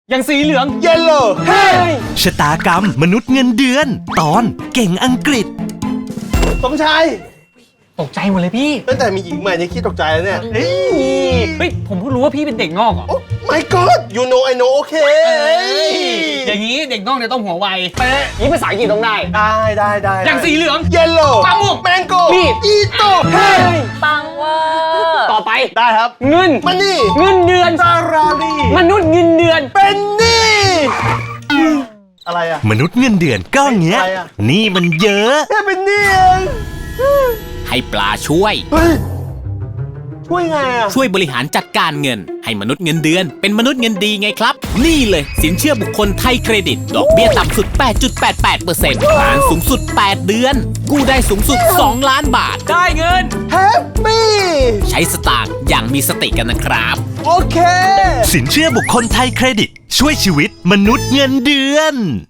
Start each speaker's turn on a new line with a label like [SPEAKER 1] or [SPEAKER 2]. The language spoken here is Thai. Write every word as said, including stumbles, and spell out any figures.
[SPEAKER 1] อย่างสีเหลือง
[SPEAKER 2] yellow เฮ้ย
[SPEAKER 3] ชะตากรรมมนุษย์เงินเดือน ตอนเก่งอังกฤษ
[SPEAKER 2] สมชาย
[SPEAKER 1] ตกใจหมดเลยพี่
[SPEAKER 2] ตั้งแต่มีหญิงใหม่เนี่ยคิดตกใจแล้วเนี่ยเฮ้ย
[SPEAKER 1] เฮ้ยผมเพิ่งรู้ว่าพี่เป็นเด็กนอกเหรอ
[SPEAKER 2] โอ้ my god you know I know okay
[SPEAKER 1] อย่างนี้เด็กนอกเนี่ยต้องหัวไว
[SPEAKER 2] เป๊ะ
[SPEAKER 1] นี่ภาษาอังกฤษต้องได้
[SPEAKER 2] ได้ได้ได้
[SPEAKER 1] อย่างสีเหลือง
[SPEAKER 2] yellow
[SPEAKER 1] มะม่วง
[SPEAKER 2] mango
[SPEAKER 1] มีด
[SPEAKER 2] อีโต้เฮ้ย
[SPEAKER 4] ปังเวอร์
[SPEAKER 1] ต่อไป
[SPEAKER 2] ได้ครับ
[SPEAKER 1] เงิน
[SPEAKER 2] มันนี่
[SPEAKER 1] เงินเดือน
[SPEAKER 2] ซาราลี
[SPEAKER 1] มนุษย์เงินเดือน
[SPEAKER 2] เป็นนี่อะไรอะ
[SPEAKER 3] มนุษย์เงินเดือนก็เงี้ย
[SPEAKER 2] อะไรอะ
[SPEAKER 3] นี่มันเยอะ
[SPEAKER 2] แค่เป็นนี่เอง
[SPEAKER 5] ให้ปลาช่วย
[SPEAKER 2] เฮ้ยช่วยไงอะ
[SPEAKER 5] ช่วยบริหารจัดการเงิน ให้มนุษย์เงินเดือน เป็นมนุษย์เงินดีไงครับ นี่เลยสินเชื่อบุคคลไทยเครดิต ดอกเบี้ยต่ำสุด แปดจุดแปดแปดเปอร์เซ็นต์ นานสูงสุด แปด เดือน กู้ได้สูงสุด สอง ล้านบาท
[SPEAKER 1] ได้เงิน
[SPEAKER 2] แฮปปี้
[SPEAKER 5] ใช้สตางค์อย่างมีสติกันนะครับ
[SPEAKER 2] โอเค
[SPEAKER 3] สินเชื่อบุคคลไทยเครดิต ช่วยชีวิตมนุษย์เงินเดือน